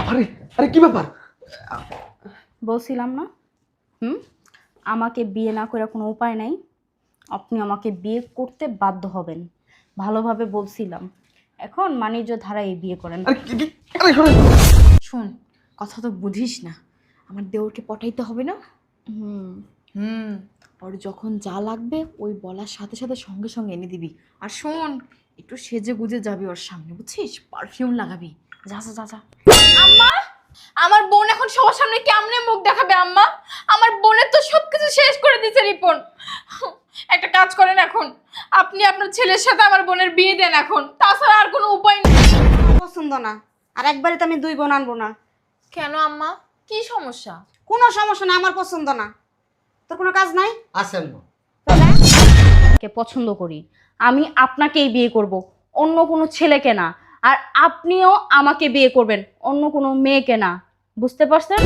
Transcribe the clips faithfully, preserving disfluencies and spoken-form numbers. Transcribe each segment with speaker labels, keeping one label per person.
Speaker 1: আরে আরে কি ব্যাপার?
Speaker 2: বলছিলাম না হুম আমাকে বিয়ে না করে কোনো উপায় নাই, আপনি আমাকে বিয়ে করতে বাধ্য হবেন। ভালোভাবে বলছিলাম, এখন বাণিজ্য ধারায় বিয়ে করেন।
Speaker 1: আরে কি কি- আরে শোনেন।
Speaker 3: শোন, কথা তো বুঝিস না, আমার দেওরকে পটাইতে হবে না?
Speaker 2: হুম
Speaker 3: হুম ওর যখন যা লাগবে ওই বলার সাথে সাথে সঙ্গে সঙ্গে এনে দিবি। আর শোন, একটু সেজে গুজে যাবি ওর সামনে, বুঝছিস? পারফিউম লাগাবি। যা যা যা যা। আম্মা, আমার বোন এখন সবার সামনে কেমনে মুখ দেখাবে আম্মা? আমার বোনের তো সবকিছু শেষ করে দিয়েছে রিপন। একটা কাজ করেন, এখন আপনি আপনার ছেলের সাথে আমার বোনের বিয়ে দেন এখন, তাছাড়া আর কোনো উপায় নেই।
Speaker 4: পছন্দ না, আর একবারে তো আমি দুই বোন আনবো না।
Speaker 3: কেন আম্মা, কি সমস্যা?
Speaker 4: কোনো সমস্যা না, আমার পছন্দ না। তোর কোনো কাজ নাই?
Speaker 1: আসেন না।
Speaker 2: কে পছন্দ করি, আমি আপনাকেই বিয়ে করব, অন্য কোনো ছেলেকে না। আর আপনিও আমাকে বিয়ে করবেন, অন্য কোনো মেয়েকে না। বুঝতে পারছেন?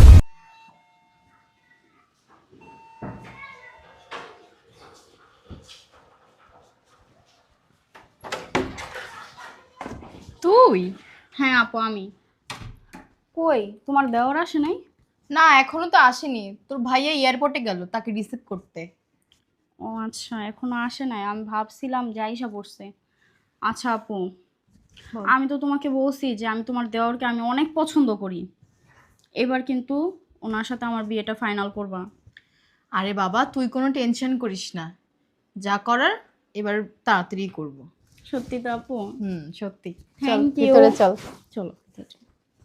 Speaker 3: তুই?
Speaker 2: হ্যাঁ আপু, আমি। কই তোমার দেওর আসে নাই?
Speaker 3: না, এখনো তো আসেনি। তোর ভাইয়া এয়ারপোর্টে গেল তাকে রিসিভ করতে।
Speaker 2: ও আচ্ছা, এখনো আসে নাই। আমি ভাবছিলাম যে আইসা পড়ছে। আচ্ছা আপু, আমি তো তোমাকে বলছি যে আমি তোমার দেওরকে আমি অনেক পছন্দ করি। এবার কিন্তু ওনার সাথে আমার বিয়েটা ফাইনাল করবা।
Speaker 3: আরে বাবা, তুই কোনো টেনশন করিস না, যা করার এবার তাড়াতাড়ি করব।
Speaker 2: সত্যি তো আপু?
Speaker 3: হুম, সত্যি। চল
Speaker 2: Thank you.
Speaker 3: ভিতরে চল।
Speaker 2: চলো ভিতরে চলো।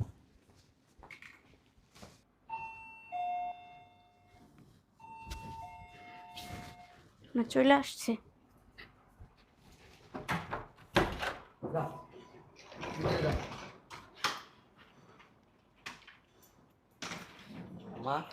Speaker 4: না, চলে আসছে।
Speaker 1: মা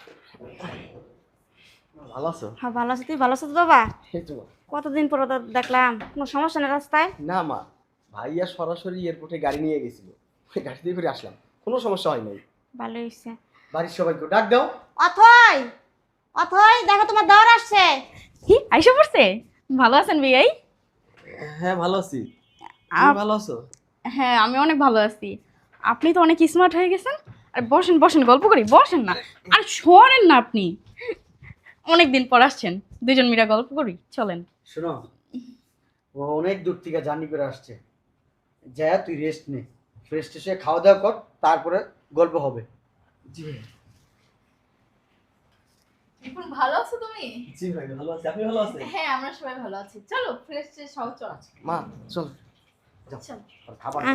Speaker 1: ভালো আছো?
Speaker 4: হ্যাঁ ভালো আছি, তুই ভালো আছো তো বাবা?
Speaker 1: এই তো মা।
Speaker 4: কতদিন পর তো দেখলাম, কোনো সমস্যা নেই রাস্তায়?
Speaker 1: না মা, ভাইয়া সরাসরি এয়ারপোর্টে গাড়ি নিয়ে গেছিল, ওই গাড়ি দিয়ে করে আসলাম, কোনো সমস্যা হয় নাই।
Speaker 4: ভালো হয়েছে।
Speaker 1: বাড়ির সবাইকে ডাক দাও।
Speaker 4: অথই, অথই দেখো তোমার দেওর আসছে।
Speaker 2: কি আইসা পড়ছে? ভালো আছেন বিয়াই?
Speaker 1: হ্যাঁ ভালো আছি, তুমি
Speaker 2: আপ-
Speaker 1: ভালো আছো?
Speaker 2: হ্যাঁ আমি অনেক ভালো আছি। আপনি তো অনেক স্মার্ট হয়ে গেছেন। আর বসেন বসেন, গল্প করি, বসেন না। আর শোনেন না, আপনি অনেক দিন পর আসছেন, দুজন মিলে গল্প করি, চলেন।
Speaker 5: শোনো, ও অনেক দূর থেকে জার্নি করে আসছে, যা তুই রেস্ট নে, ফ্রেশ এসে খাওয়া দাওয়া কর, তারপরে গল্প হবে।
Speaker 1: জি
Speaker 3: রিপন, ভালো আছো তুমি?
Speaker 1: জি ভাই ভালো আছি, আপনি ভালো আছেন?
Speaker 3: হ্যাঁ, আমরা সবাই ভালো আছি। চলো ফ্রেশ ফ্রেশ হও, চল।
Speaker 1: মা চল
Speaker 3: চল।
Speaker 5: আর খাবার
Speaker 4: আহ।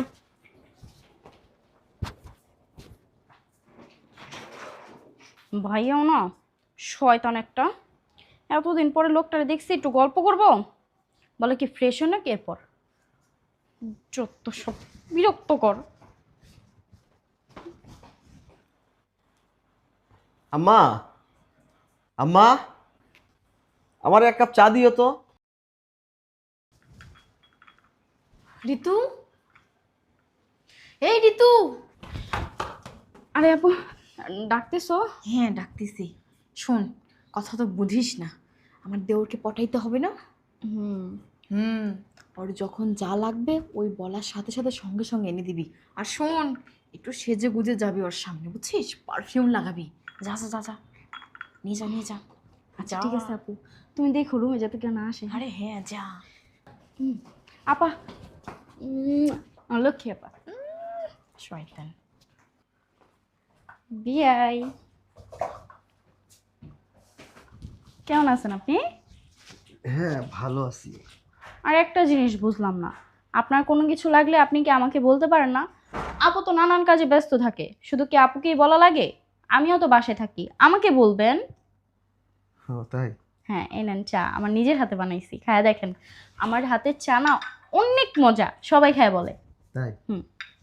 Speaker 2: ভাইয়াও না শয়তান একটা। এতদিন পরে লোকটারে দেখছি, একটু গল্প করব বলে কি ফ্রেশ হয় নাকি, এরপর যত সব বিরক্তকর।
Speaker 1: আম্মা, আম্মা আমার এক কাপ চা দিও তো।
Speaker 3: ঋতু, এই ঋতু।
Speaker 2: আরে আপু, ডাকতেছো?
Speaker 3: হ্যাঁ ডাকতেছি। শোন, কথা তো বুঝিস না, আমার দেওরকে পটাইতে হবে না?
Speaker 2: হুম
Speaker 3: হুম ওর যখন যা লাগবে ওই বলার সাথে সাথে সঙ্গে সঙ্গে এনে দিবি। আর শোন, একটু সেজে গুজে যাবি ওর সামনে, বুঝছিস? পারফিউম লাগাবি। যা যা যা যা, নিয়ে যা নিয়ে যা।
Speaker 2: আচ্ছা ঠিক আছে আপু, তুমি দেখো রুমে যাতে কেউ না আসে।
Speaker 3: আরে হ্যাঁ, যা।
Speaker 2: আপা, উম, আমার লক্ষ্মী আপা।
Speaker 3: শয়তান।
Speaker 2: বিয়াই, কেমন আছেন আপনি?
Speaker 1: হ্যাঁ ভালো আছি।
Speaker 2: আর একটা জিনিস বুঝলাম না, আপনার কোনো কিছু লাগলে আপনি কি আমাকে বলতে পারেন না? আপু তো নানান কাজে ব্যস্ত থাকে, শুধু কি আপুকেই বলা লাগে? আমিও তো বাসায় থাকি, আমাকে বলবেন।
Speaker 1: ও তাই?
Speaker 2: হ্যাঁ এই নেন চা, আমার নিজের হাতে বানাইছি, খায়া দেখেন। আমার হাতের চা না অনেক মজা, সবাই খায় বলে।
Speaker 1: তাই?
Speaker 2: হুম।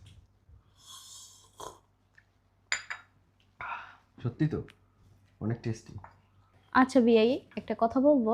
Speaker 1: সত্যি তো অনেক টেস্টি।
Speaker 2: আচ্ছা বিয়াই, একটা কথা বলবো।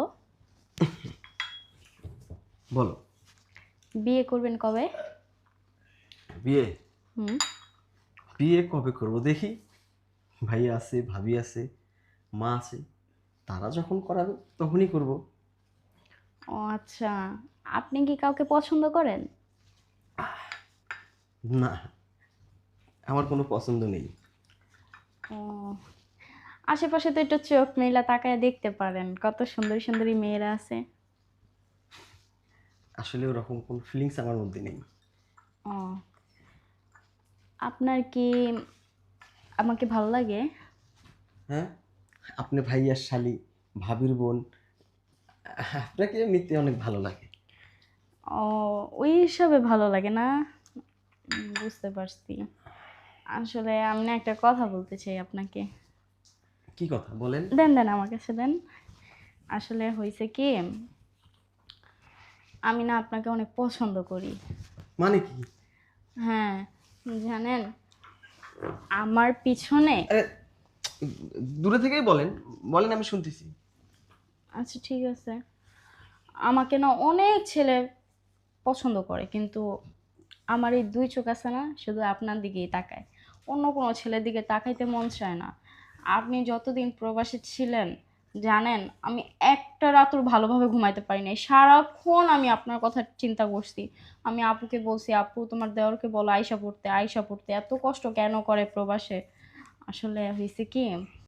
Speaker 1: বলো।
Speaker 2: বিয়ে করবেন কবে?
Speaker 1: বিয়ে?
Speaker 2: হুম।
Speaker 1: বিয়ে কবে করব দেখি, ভাই আছে, ভাবি আছে, মা আছে, তারা যখন করাবে তখনই করব।
Speaker 2: ও আচ্ছা, আপনি কি কাউকে পছন্দ করেন?
Speaker 1: না, আমার কোনো পছন্দ নেই।
Speaker 2: ও আশেপাশে তো একটু চোখ মেলা তাকায় দেখতে পারেন, কত সুন্দরী সুন্দরী মেয়েরা আছে।
Speaker 1: আসলে ওরকম কোনো ফিলিংস আমার মধ্যে নেই।
Speaker 2: ও আপনার কি আমাকে ভালো লাগে?
Speaker 1: হ্যাঁ, আপনি ভাইয়ার শালি, ভাবির বোন, আপনাকে এমনিতে অনেক ভালো লাগে।
Speaker 2: ও ওই হিসাবে ভালো লাগে না? উম, বুঝতে পারছি। আসলে আমি না একটা কথা বলতে চাই আপনাকে।
Speaker 1: কি কথা বলেন?
Speaker 2: দেন দেন আমার কাছে দেন। আসলে হয়েছে কি, আমি না আপনাকে অনেক পছন্দ করি।
Speaker 1: মানে কি?
Speaker 2: হ্যাঁ, জানেন আমার পিছনে।
Speaker 1: আরে দূরে থেকেই বলেন, বলেন আমি শুনতেছি।
Speaker 2: আচ্ছা ঠিক আছে, আমাকে না অনেক ছেলে পছন্দ করে, কিন্তু আমার এই দুই চোখ আছে না, শুধু আপনার দিকেই তাকায়, অন্য কোনো ছেলের দিকে তাকাইতে মন চায় না। আপনি যতদিন প্রবাসী ছিলেন জানেন, আমি একটা রাতও ভালোভাবে ঘুমাইতে পারি নাই, সারাক্ষণ আমি আপনার কথা চিন্তা করছি। আমি আপুকে বলছি, আপু তোমার দেওরকে বলো আয়শা পড়তে, আয়শা পড়তে, এত কষ্ট কেন করে প্রবাসে। আসলে হয়েছে কি,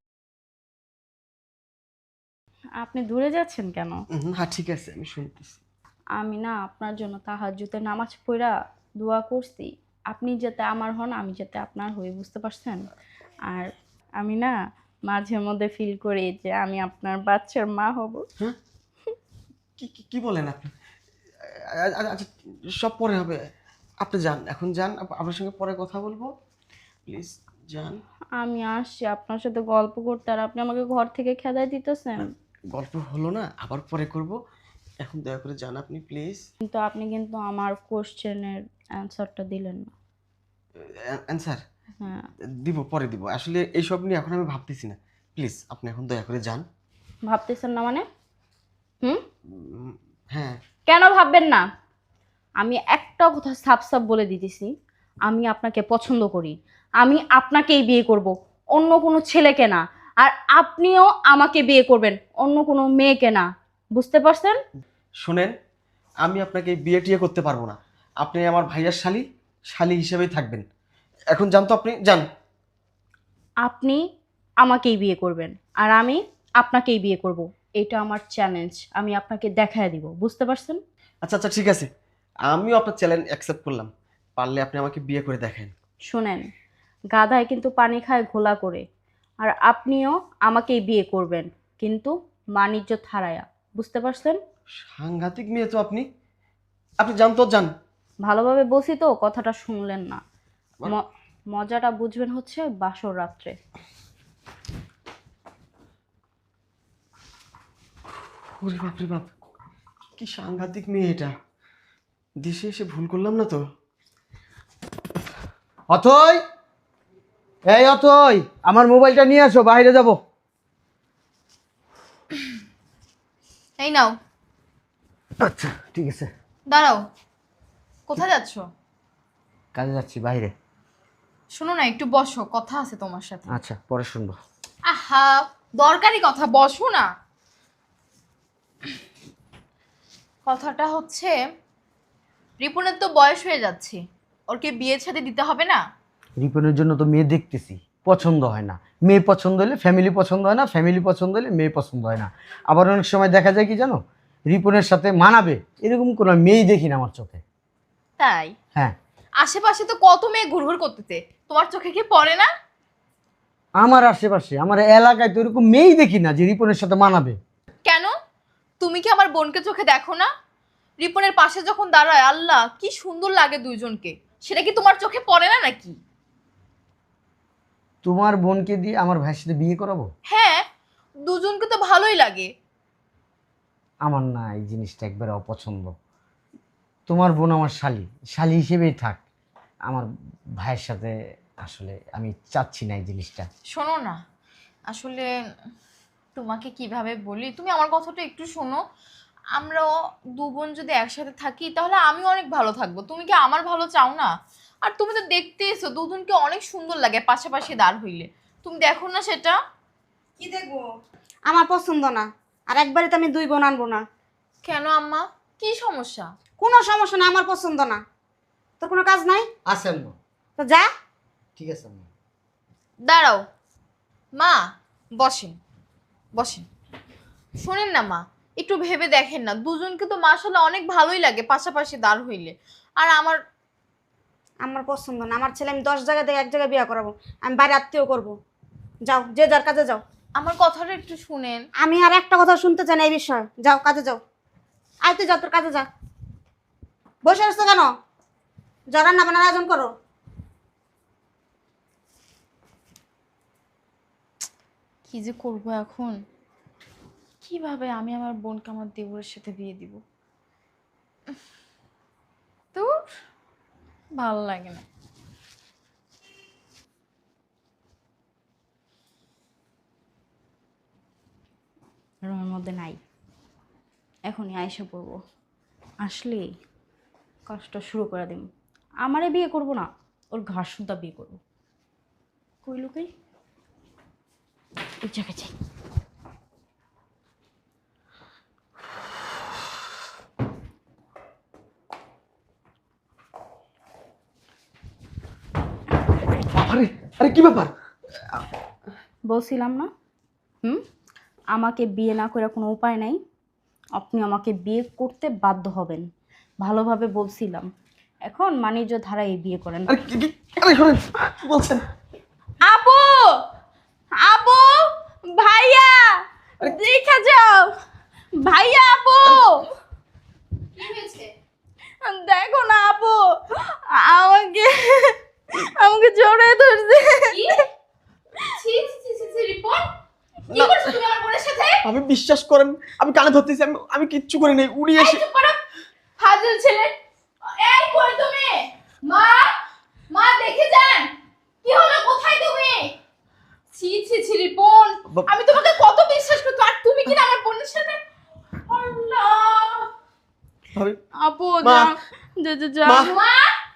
Speaker 2: আপনি দূরে যাচ্ছেন কেন?
Speaker 1: হুম, হ্যাঁ ঠিক আছে, আমি শুনতেছি।
Speaker 2: আমি না আপনার জন্য তাহাজ্জুদের নামাজ পড়া দোয়া করছি, আপনি যাতে আমার হন, আমি যাতে আপনার হই, বুঝতে পারছেন? আর আমি না মাঝে মধ্যে ফিল করি যে আমি আপনার বাচ্চার মা হব।
Speaker 1: হ্যাঁ, কি কি- কি বলেন আপনি? আ- আ- আচ্ছা, সব পরে হবে। আপনি যান, এখন যান, আপ- আপনার সঙ্গে পরে কথা বলবো, প্লিজ যান।
Speaker 2: আমি আসছি আপনার সাথে গল্প করতে, আর আপনি আমাকে ঘর থেকে খেদাই দিতেছেন।
Speaker 1: গল্প হলো না, আবার পরে করব, এখন দয়া করে যান আপনি প্লিজ।
Speaker 2: কিন্তু আপনি কিন্তু আমার কোশ্চেনের অ্যান্সারটা দিলেন না।
Speaker 1: অ্যান্সার
Speaker 2: হ্যাঁ,
Speaker 1: দিব, পরে দিব, আসলে এইসব নিয়ে এখন আমি ভাবতেছি না। প্লিজ আপনি এখন দয়া করে যান।
Speaker 2: ভাবতেছেন না মানে? হুম,
Speaker 1: উম, হ্যাঁ।
Speaker 2: কেন ভাববেন না? আমি একটা কথা সাফ সাফ বলে দিতেছি, আমি আপনাকে পছন্দ করি, আমি আপনাকেই বিয়ে করব, অন্য কোনো ছেলেকে না। আর আপনিও আমাকে বিয়ে করবেন, অন্য কোনো মেয়েকে না, বুঝতে পারছেন?
Speaker 1: শোনেন, আমি আপনাকে বিয়ে টিয়ে করতে পারবো না। আপনি আমার ভাইয়ার শালি, শালি হিসেবেই থাকবেন। এখন যান তো, আপনি যান।
Speaker 2: আপনি আমাকেই বিয়ে করবেন, আর আমি আপনাকেই বিয়ে করব, এটা আমার চ্যালেঞ্জ, আমি আপনাকে দেখায় দিব, বুঝতে পারছেন?
Speaker 1: আচ্ছা আচ্ছা ঠিক আছে, আমিও আপনার চ্যালেঞ্জ অ্যাকসেপ্ট করলাম। পারলে আপনি আমাকে বিয়ে করে দেখেন।
Speaker 2: শোনেন, গাধায় কিন্তু পানি খায় ঘোলা করে, আর আপনিও আমাকেই বিয়ে করবেন, কিন্তু বাণিজ্য হারায়া, বুঝতে পারছেন?
Speaker 1: সাংঘাতিক মেয়ে তো আপনি। আপনি যান তো, যান।
Speaker 2: ভালোভাবে বলছি তো, কথাটা শুনলেন না। ম- মজাটা বুঝবেন হচ্ছে বাসর রাত্রে।
Speaker 1: ওরে বাপ রে বাপ, কি সাংঘাতিক মেয়ে এটা। দেশে এসে ভুল করলাম না তো?
Speaker 5: অথই, এই অথই, আমার মোবাইলটা নিয়ে আসো, বাইরে যাব।
Speaker 3: এই নাও।
Speaker 5: আচ্ছা ঠিক আছে।
Speaker 3: দাঁড়াও, কোথায় যাচ্ছো?
Speaker 5: কাজে যাচ্ছি বাইরে।
Speaker 3: শোনো না, একটু বসো, কথা আছে তোমার সাথে।
Speaker 5: আচ্ছা পরে শুনবো।
Speaker 3: আহা, দরকারি কথা, বসো না। কথাটা হচ্ছে, রিপনের তো বয়স হয়ে যাচ্ছে, ওর কি বিয়ে শাদী দিতে হবে না?
Speaker 5: রিপনের জন্য তো মেয়ে দেখতেছি, পছন্দ হয় না। মেয়ে পছন্দ হলে ফ্যামিলি পছন্দ হয় না, ফ্যামিলি পছন্দ হলে মেয়ে পছন্দ হয় না। আবার অনেক সময় দেখা যায় কি জানো, রিপনের সাথে মানাবে এরকম কোনো মেয়েই দেখি না আমার চোখে।
Speaker 3: তাই?
Speaker 5: হ্যাঁ।
Speaker 3: আশেপাশে তো কত মেয়ে ঘুরঘুর করতেছে, তোমার চোখে কি পড়ে না?
Speaker 5: আমার আশেপাশে, আমার এলাকায় তো এরকম মেয়েই দেখি না যে রিপনের সাথে মানাবে।
Speaker 3: কেন? তুমি কি আমার বোনকে চোখে দেখো না? রিপনের পাশে যখন দাঁড়ায়, আল্লাহ কি সুন্দর লাগে দুইজনকে, সেটা কি তোমার চোখে পড়ে না নাকি?
Speaker 5: তোমার বোনকে দিয়ে আমার ভাইয়ের সাথে বিয়ে করাবো?
Speaker 3: হ্যাঁ, দুজনকে তো ভালোই লাগে।
Speaker 5: আমার না এই জিনিসটা একবারে অপছন্দ। তোমার বোন আমার শালি, শালি হিসেবেই থাক। আমার ভাইয়ের সাথে আসলে আমি চাচ্ছি না এই জিনিসটা।
Speaker 3: শোনো না, আসলে তোমাকে কিভাবে বলি, তুমি আমার কথাটা একটু শোনো। আমরা দু বোন যদি একসাথে থাকি তাহলে আমি অনেক ভালো থাকবো, তুমি কি আমার ভালো চাও না? আর তুমি তো দেখতে এসো, দুজনকে অনেক সুন্দর লাগে পাশাপাশি দাঁড় হইলে, তুমি দেখো না সেটা?
Speaker 4: কি দেখবো? আমার পছন্দ না, আর একবারে তো আমি দুই বোন আনবো না।
Speaker 3: কেন আম্মা, কি সমস্যা?
Speaker 4: কোনো সমস্যা না, আমার পছন্দ না। তোর কোনো কাজ নাই
Speaker 5: আসেন না।
Speaker 4: তো যা।
Speaker 5: ঠিক আছে আম্মা।
Speaker 3: দাঁড়াও মা, বসেন বসেন। শোনেন না মা, একটু ভেবে দেখেন না, দুজনকে তো মাশাআল্লাহ অনেক ভালোই লাগে পাশাপাশি দাঁড় হইলে। আর আমার
Speaker 4: আমার পছন্দ না। আমার ছেলে আমি দশ জায়গা থেকে এক জায়গায় বিয়ে করাবো, আমি বাইরে আত্মীয় করবো। যাও, যে যার কাজে যাও।
Speaker 3: আমার কথাটা একটু শুনেন।
Speaker 4: আমি আর একটা কথা শুনতে চাই না এই বিষয়ে। যাও, কাজে যাও। আয় তুই যা, তোর কাজে যা। বসে আসছো কেন? যা, রান্না বান্নার আয়োজন করো।
Speaker 3: কি যে করবো এখন, কিভাবে আমি আমার বোনকে আমার দেবরের সাথে বিয়ে দিব? তো ভালো লাগে না।
Speaker 2: রুমের মধ্যে নাই, এখনই আয়সা পড়বো। আসলে কাজটা শুরু করে দিন। আমারে বিয়ে করব না, ওর ঘাস সুদ্ধা বিয়ে করবো। কই লোকে ওই জায়গায় যাই।
Speaker 1: আরে আরে কি ব্যাপার?
Speaker 2: বলছিলাম না, হুম, আমাকে বিয়ে না করে কোনো উপায় নাই। আপনি আমাকে বিয়ে করতে বাধ্য হবেন, ভালোভাবে বলছিলাম। এখন বাণিজ্য ধারায় বিয়ে করেন।
Speaker 1: আরে কি কি- আরে শোনেন, কি বলছেন?
Speaker 3: আপু, আপু, ভাইয়া, দেখা যাও। ভাইয়া, আপু,
Speaker 6: কি হয়েছে?
Speaker 3: দেখো না আপু, আমাকে আমাকে জড়িয়ে ধরছে।
Speaker 6: কি? ছি ছি ছি ছি ছি রিপন, কি করছো তুমি আমার বোনের সাথে?
Speaker 1: আমি বিশ্বাস করেন, আমি কানে ধরতেছি, আমি আমি কিচ্ছু করি নাই। উড়ি
Speaker 6: এই
Speaker 1: এসে
Speaker 6: চুপ করো, ফাজিল ছেলে। এই কই তুমি? মা, মা দেখে যান। কি হলো, কোথায় তুমি? ছি ছি ছি রিপন,
Speaker 1: বাপ-
Speaker 6: আমি তোমাকে কত বিশ্বাস করতো, আর তুমি কি না আমার বোনের সাথে? আল্লাহ।
Speaker 1: ভাবি,
Speaker 3: আপু,
Speaker 1: মা।
Speaker 3: যা যা যা।
Speaker 1: মা।
Speaker 6: মা,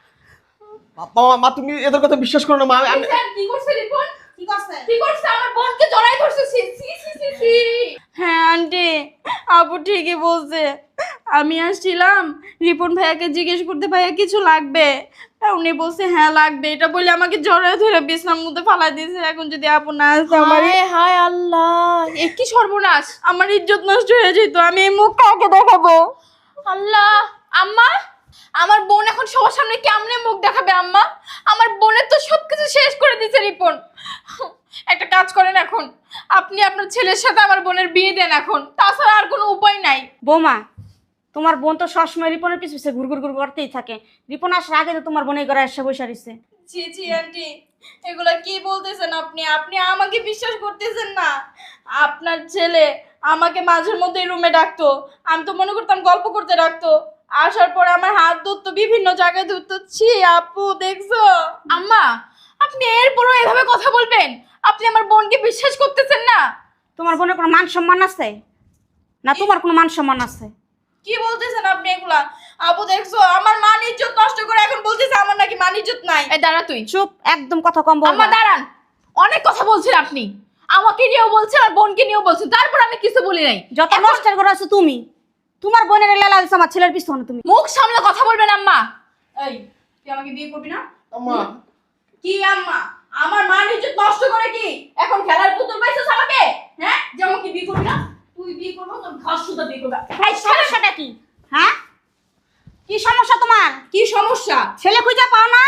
Speaker 1: মা মা তুমি এদের কথা বিশ্বাস করো না মা। আমি
Speaker 6: দেখছেন কি করছে রিপন?
Speaker 4: কি করছে?
Speaker 6: কি করছে? আমার বোনকে জড়াই ধরছে। ছি ছি ছি ছি ছি।
Speaker 2: হ্যাঁ আন্টি, আপু ঠিকই বলছে। আমি আসছিলাম রিপন ভাইয়াকে জিজ্ঞেস করতে, ভাইয়া কিছু লাগবে? তা উনি বলছে হ্যাঁ লাগবে। এটা বলে আমাকে জড়ায় ধরে বিছনার মধ্যে ফালা দিয়েছে। এখন যদি আপু না আসে আমার
Speaker 3: হায় হায় আল্লাহ, এ কি সর্বনাশ!
Speaker 2: আমার ইজ্জত নষ্ট হয়ে যেত। আমি এই মুখ কাউকে দেখাবো?
Speaker 3: আল্লাহ, আম্মা, আমার বোন এখন সবার সামনে কেমনে মুখ দেখাবে আম্মা? আমার বোনের তো সবকিছু শেষ করে দিয়েছে রিপন। একটা কাজ করেন, এখন আপনি আপনার ছেলের সাথে আমার বোনের বিয়ে দেন এখন, তাছাড়া আর কোনো উপায় নাই।
Speaker 4: বৌমা, তোমার বোন তো সবসময় রিপনের পিছু পিছে ঘুর ঘুর ঘুর করতেই থাকে। রিপন আসার আগে তো তোমার বোনের ঘরে এসে বসে রইছে।
Speaker 2: জি জি আন্টি, এগুলা কি বলতেছেন আপনি? আপনি আমাকে বিশ্বাস করতেছেন না? আপনার ছেলে আমাকে মাঝের মধ্যে রুমে ডাকতো, আমি তো মনে করতাম গল্প করতে ডাকতো। আসার পরে আমার হাত ধরতো, বিভিন্ন জায়গায় ধরতো। ছি আপু, দেখছো?
Speaker 3: আম্মা, আপনি এরপরও এভাবে কথা বলবেন? আপনি আমার বোনকে বিশ্বাস করতেছেন না?
Speaker 4: তোমার বোনের কোনো মান সম্মান আছে না? তোমার কোনো মান সম্মান আছে?
Speaker 2: কি বলতেছেন আপনি এগুলা? আপু দেখছো, আমার মান ইজ্জত নষ্ট করে এখন বলতেছে আমার নাকি মান ইজ্জত নাই।
Speaker 3: এই দাঁড়া তুই।
Speaker 4: চুপ, একদম কথা কম বলবা।
Speaker 3: আম্মা দাঁড়ান, অনেক কথা বলছেন আপনি। আমাকে নিয়েও বলছেন আর বোনকে নিয়েও বলছেন, তারপর আমি কিছু বলি নাই।
Speaker 4: যত নষ্টের করে আছো তুমি। তোমার বোনের লেলা দিছো আমার ছেলের পিছনে তুমি।
Speaker 3: মুখ সামলে কথা বলবেন আম্মা।
Speaker 2: এই, তুই আমাকে বিয়ে করবি না?
Speaker 1: আম্মা,
Speaker 2: কি আম্মা? আমার মান ইজ্জত নষ্ট করে কি এখন খেলার পুতুল পাইছিস আমাকে? হ্যাঁ, যে আমাকে বিয়ে করবি না? তুই বিয়ে করবো, তোর ঘাস সুদ্ধা বিয়ে করবে।
Speaker 4: এই সমস্যাটা কি? হ্যাঁ, কি সমস্যা তোমার?
Speaker 2: কি সমস্যা?
Speaker 4: ছেলে খুঁজে পাও না?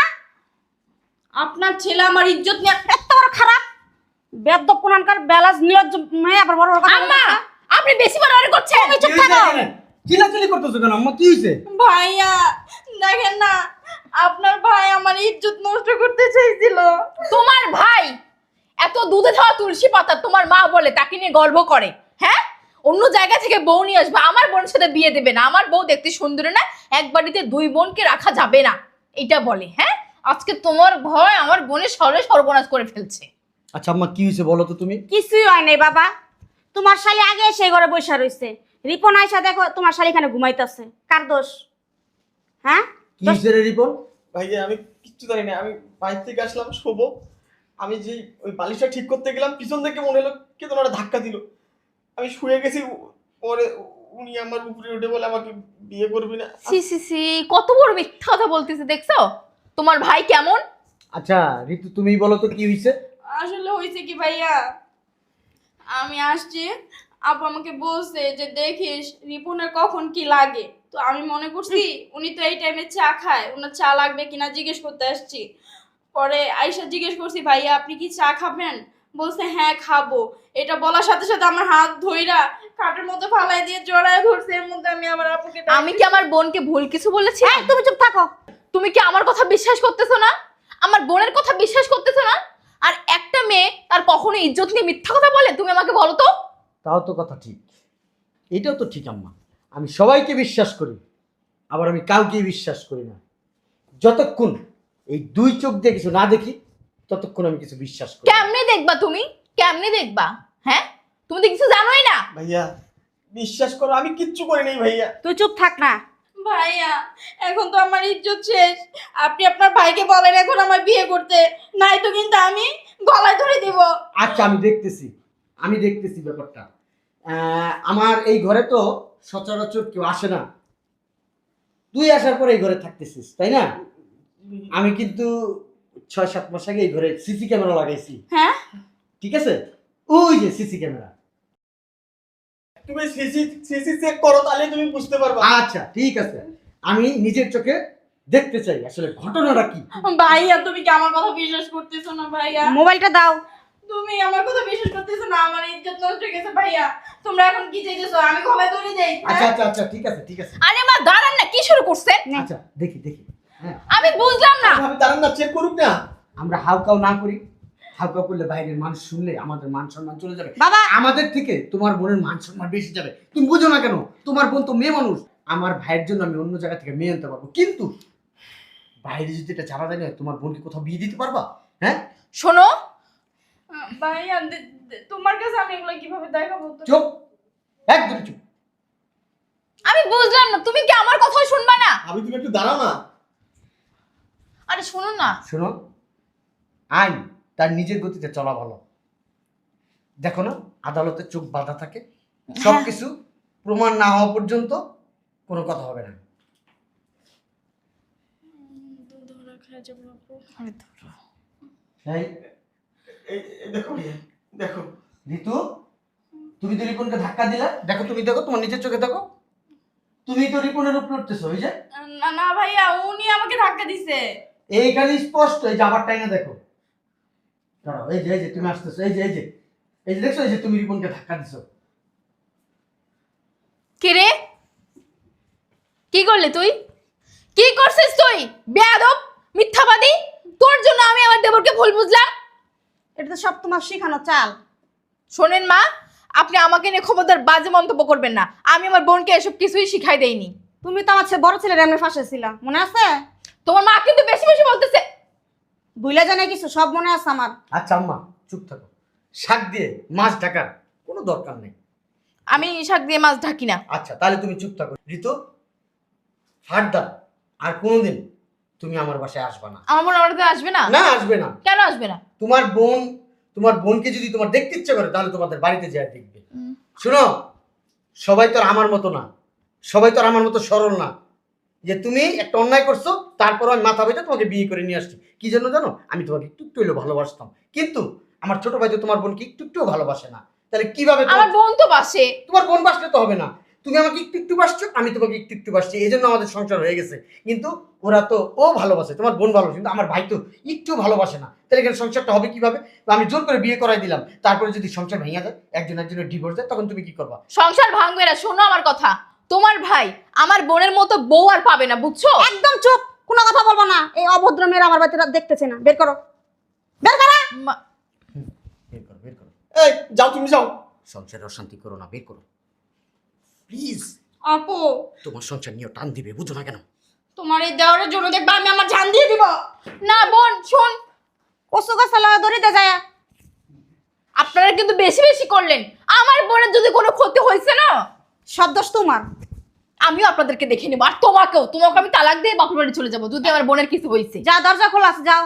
Speaker 2: আপনার ছেলে আমার ইজ্জত নিয়ে
Speaker 4: এত বড় খারাপ বেদ্য পুরানকার ব্যালান্স নির্লজ্জ মেয়ে আবার বড় বড় কথা
Speaker 3: আম্মা,
Speaker 4: বলতেছে।
Speaker 3: আপনি বেশি বাড়াবাড়ি করছেন।
Speaker 4: চুপ থাকো।
Speaker 5: চিল্লাচিল্লি করতেছো কেন আম্মা? কি হয়েছে?
Speaker 2: ভাইয়া দেখেন না, আপনার ভাই আমার ইজ্জত নষ্ট করতে চাইছিল।
Speaker 3: তোমার ভাই এত দুধে খাওয়া তুলসী পাতা তোমার মা বলে তাকে নিয়ে গর্ব করে? হ্যাঁ, অন্য জায়গা থেকে বউ নিয়ে আসবে, আমার বোনের সাথে বিয়ে দেবে না। আমার বউ দেখতে সুন্দর না, এক বাড়িতে দুই বোনকে রাখা যাবে না, এটা বলে। হ্যাঁ, আজকে তোমার ভয় আমার বোনের সর্বে সর্বনাশ করে ফেলছে।
Speaker 5: আচ্ছা আম্মা, কি হয়েছে বলো তো তুমি?
Speaker 4: কিছুই হয় নাই বাবা। তোমার শালি আগে সেই ঘরে বসে রইছে। রিপন আইসা দেখো তোমার শালি এখানে ঘুমাইতেছে। কার দোষ? হ্যাঁ,
Speaker 5: কি হয়েছে রে রিপন?
Speaker 1: ভাইয়া আমি কিচ্ছু জানি না। আমি বাইরে থেকে আসলাম শোবো, আমি যে ওই বালিশটা ঠিক করতে গেলাম পিছন থেকে মনে হলো কে তোমার ধাক্কা দিল। আমি শুয়ে গেছি, পরে উনি আমার উপরে উঠে বলে আমাকে বিয়ে করবি না।
Speaker 3: সি সি সি, কত বড় মিথ্যা কথা বলতেছে, দেখছো তোমার ভাই কেমন?
Speaker 5: আচ্ছা ঋতু তুমি বলো তো কি হয়েছে?
Speaker 6: আসলে হয়েছে কি ভাইয়া, আমি আসছি, আপু আমাকে বলছে যে দেখিস রিপনের কখন কি লাগে। তো আমি মনে করছি উনি তো এই টাইমে চা খায়, ওনার চা লাগবে কিনা জিজ্ঞেস করতে আসছি। পরে আইসা জিজ্ঞেস করছি ভাইয়া আপনি কি চা খাবেন, বলছে হ্যাঁ খাবো। এটা বলার সাথে সাথে আমার হাত ধইরা কাঠের মতো ফালাই দিয়ে জড়ায় ধরছে। এর মধ্যে আমি আমার আপুকে
Speaker 3: আমি কি আমার বোনকে ভুল কিছু বলেছি?
Speaker 4: এই তুমি চুপ থাকো।
Speaker 3: তুমি কি আমার কথা বিশ্বাস করতেছো না? আমার বোনের কথা বিশ্বাস করতেছো না? আর একটা মেয়ে তার কখনো ইজ্জত নিয়ে মিথ্যা কথা বলে? তুমি আমাকে বলো তো।
Speaker 5: তাও তো কথা ঠিক, এটাও তো ঠিক আম্মা। আমি সবাইকে বিশ্বাস করি, আবার আমি কাউকে বিশ্বাস করি না। যতক্ষণ এই দুই চোখ দিয়ে কিছু না দেখি ততক্ষণ আমি কিছু বিশ্বাস করি না।
Speaker 3: কেমনে দেখবা তুমি? কেমনে দেখবা? হ্যাঁ, তুমি তো কিছু জানোই না।
Speaker 1: ভাইয়া বিশ্বাস করো আমি কিচ্ছু করি নাই ভাইয়া।
Speaker 4: তুই চুপ থাক না।
Speaker 6: ভাইয়া এখন তো আমার ইজ্জত শেষ, আপনি আপনার ভাইকে বলেন এখন আমার বিয়ে করতে, নাই তো কিন্তু আমি গলায় ধরে দিব।
Speaker 5: আচ্ছা আমি দেখতেছি, আমি দেখতেছি ব্যাপারটা। আহ, আমার এই ঘরে তো সচরাচর কেউ আসে না, তুই আসার পরে এই ঘরে থাকতেছিস তাই না? আমি কিন্তু ছয় সাত মাস আগে এই ঘরে সিসি ক্যামেরা লাগাইছি।
Speaker 6: হ্যাঁ
Speaker 5: ঠিক আছে, ওই যে সিসি ক্যামেরা।
Speaker 1: তুমি সিসি সিসি চেক করো তাহলে তুমি বুঝতে পারবা।
Speaker 5: আচ্ছা ঠিক আছে, আমি নিজের চোখে দেখতে চাই আসলে ঘটনাটা কি।
Speaker 6: ভাইয়া তুমি কি আমার কথা বিশ্বাস করতেছো না ভাইয়া?
Speaker 4: মোবাইলটা দাও।
Speaker 6: তুমি আমার কথা বিশ্বাস করতেছো না, আমার ইজ্জত নষ্ট হয়ে গেছে ভাইয়া। তোমরা এখন কি চাইতেছো আমি গলায় ধরে দেই?
Speaker 5: আচ্ছা আচ্ছা আচ্ছা ঠিক আছে ঠিক আছে।
Speaker 3: আরে মা দাঁড়ান না, কি শুরু করছেন?
Speaker 5: আচ্ছা দেখি দেখি, হ্যাঁ
Speaker 3: আমি বুঝলাম না।
Speaker 1: আমি দাঁড়ান না, চেক করুক না।
Speaker 5: আমরা হাউকাও না করি, হাউকাও করলে বাইরের মানুষ শুনলে আমাদের মান সম্মান চলে যাবে।
Speaker 4: বাবা
Speaker 5: আমাদের থেকে তোমার বোনের মান সম্মান বেশি যাবে। তুমি বুঝো না কেন? তোমার বোন তো মেয়ে মানুষ। আমার ভাইয়ের জন্য আমি অন্য জায়গা থেকে মেয়ে আনতে পারবো, কিন্তু বাইরে যদি এটা জানা যায় না, তোমার বোনকে কোথাও বিয়ে দিতে পারবা? হ্যাঁ
Speaker 3: শোনো,
Speaker 6: ভাইয়া দে- দে- তোমার কাছে আমি এগুলো কিভাবে দেখাবো? তো
Speaker 5: চুপ, একদম চুপ।
Speaker 3: আমি বুঝলাম না, তুমি কি আমার কথা শুনবা না?
Speaker 1: আমি তুমি একটু দাঁড়াও না।
Speaker 3: আরে শোনো না।
Speaker 5: শোনো, আইন তার নিজের গতিতে চলা ভালো। দেখো না, আদালতে চোখ বাঁধা থাকে, সবকিছু প্রমাণ না হওয়া পর্যন্ত কোনো কথা হবে না। এই
Speaker 1: এই এই দেখো ভাইয়া, দেখো
Speaker 5: ঋতু, তুমি তো রিপনকে ধাক্কা দিলা। দেখো তুমি দেখো, তোমার নিজের চোখে দেখো, তুমি তো রিপনের উপরে উঠতেছো। ওই যে
Speaker 6: না না ভাইয়া উনি আমাকে ধাক্কা দিছে।
Speaker 5: এইখানে স্পষ্ট, এই যে আবার টাইনা দেখো। দাঁড়াও, এই যে এই যে তুমি আসতেছো, এই যে এই যে এই যে দেখছো, এই যে তুমি রিপনকে ধাক্কা দিছো।
Speaker 3: কে রে? কি করলে তুই? কি করছিস তুই? বেয়াদব, মিথ্যাবাদী। তোর জন্য আমি আমার দেবরকে ভুল বুঝলাম।
Speaker 4: এটা তো সব তোমার শিখানো চাল।
Speaker 3: শোনেন মা, আপনি আমাকে নিয়ে খবরদার বাজে মন্তব্য করবেন না। আমি আমার বোনকে এসব কিছুই শিখাই দেইনি।
Speaker 4: তুমি তো আমার ছেলে বড় ছেলের এমনি ফাঁসে ছিলা, মনে আছে?
Speaker 3: তোমার মা কিন্তু বেশি বেশি বলতেছে।
Speaker 4: ভুলে জানে কিছু, সব মনে আছে আমার।
Speaker 5: আচ্ছা আম্মা চুপ থাকো, শাক দিয়ে মাছ ঢাকার কোনো দরকার নেই।
Speaker 3: আমি শাক দিয়ে মাছ ঢাকি না।
Speaker 5: আচ্ছা তাহলে তুমি চুপ থাকো। ঋতু, ফারদার আর কোনোদিন তুমি আমার বাসায় আসবে না।
Speaker 3: আমার বোন আমার কাছে আসবে না?
Speaker 5: না আসবে না।
Speaker 3: কেন আসবে না?
Speaker 5: তোমার বোন, তোমার বোনকে যদি তোমার দেখতে ইচ্ছে করে তাহলে তোমাদের বাড়িতে যায় দেখবে। শুনো, সবাই তো আর আমার মতো না, সবাই তো আর আমার মতো সরল না যে তুমি একটা অন্যায় করছো তারপর আমি মাথা বেঁধে তোমাকে বিয়ে করে নিয়ে আসছি। কি জন্য জানো? আমি তোমাকে একটু একটু হলেও ভালোবাসতাম, কিন্তু আমার ছোট ভাই তো তোমার বোনকে একটু একটুও ভালোবাসে না। তাহলে কিভাবে তোমার-
Speaker 3: আমার বোন তো বাসে।
Speaker 5: তোমার বোন বাসলে তো হবে না। তুমি আমাকে একটু একটু বাসছো, আমি তোমাকে একটু একটু বাসছি, এই জন্য আমাদের সংসার হয়ে গেছে। কিন্তু ওরা তো ও ভালোবাসে, তোমার বোন ভালোবাসে, কিন্তু আমার ভাই তো একটু ভালোবাসে না। তাহলে এখানে সংসারটা হবে কিভাবে? তো আমি জোর করে বিয়ে করাই দিলাম, তারপরে যদি সংসার ভেঙে যায়, একজন একজনের ডিভোর্স যায়, তখন তুমি কি করবা?
Speaker 3: সংসার ভাঙবে না। শোনো আমার কথা, তোমার ভাই আমার বোনের মতো বউ আর পাবে না, বুঝছো?
Speaker 4: একদম চুপ, কোনো কথা বলবো না। এই অভদ্র মেয়েরা আমার বাড়িতে দেখতেছে না। বের করো, বের করো।
Speaker 3: মা-
Speaker 5: বের করো, বের করো।
Speaker 1: এই যাও, তুমি যাও।
Speaker 5: সংসারে অশান্তি করো না, বের করো প্লিজ।
Speaker 6: আপু
Speaker 5: তোমার সংসার নিয়ে টান দিবে, বুঝো না কেন?
Speaker 6: তোমার এই দেওয়ারের জন্য দেখবা আমি আমার জান দিয়ে দিব।
Speaker 3: না বোন শোন,
Speaker 4: কসু গাছ দড়িতে যায়।
Speaker 3: আপনারা কিন্তু বেশি বেশি করলেন। আমার বোনের যদি কোনো ক্ষতি হয়েছে না,
Speaker 4: সব দোষ তোমার।
Speaker 3: আমিও আপনাদেরকে দেখে নেবো। আর তোমাকেও, তোমাকে আমি তালাক দিয়ে বাপের বাড়ি চলে যাবো যদি আমার বোনের কিছু হয়েছে।
Speaker 4: যা, দরজা খোলা আছে, যাও।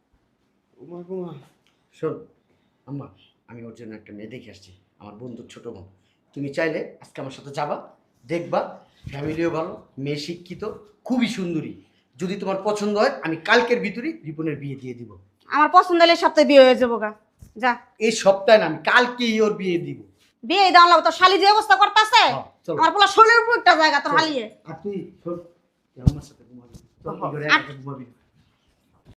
Speaker 5: শোন আম্মা, আমি ওর জন্য একটা মেয়ে দেখে আসছি, আমার বন্ধুর ছোট বোন। তুমি চাইলে আজকে আমার সাথে যাবা, দেখবা, ফ্যামিলিও ভালো, মেয়ে শিক্ষিত, খুবই সুন্দরী। যদি তোমার পছন্দ হয় আমি কালকের ভিতরে রিপনের বিয়ে দিয়ে দিব।
Speaker 4: আমার পছন্দ হলে এই সপ্তাহে বিয়ে হয়ে যাবো গা। যা
Speaker 5: এই সপ্তাহে না, আমি কালকেই ওর বিয়ে দিব।
Speaker 4: বিয়ে দেওয়া লাগবে, তোর শালি যে অবস্থা করতেছে
Speaker 5: হ্যাঁ, চলো।
Speaker 4: আমার পোলা শরীরের উপর একটা জায়গা তোর হালিয়ে।
Speaker 5: আর তুই শোন, তুই আমার সাথে ঘুমাবি, চল, এই ঘরে একা একা ঘুমাবি।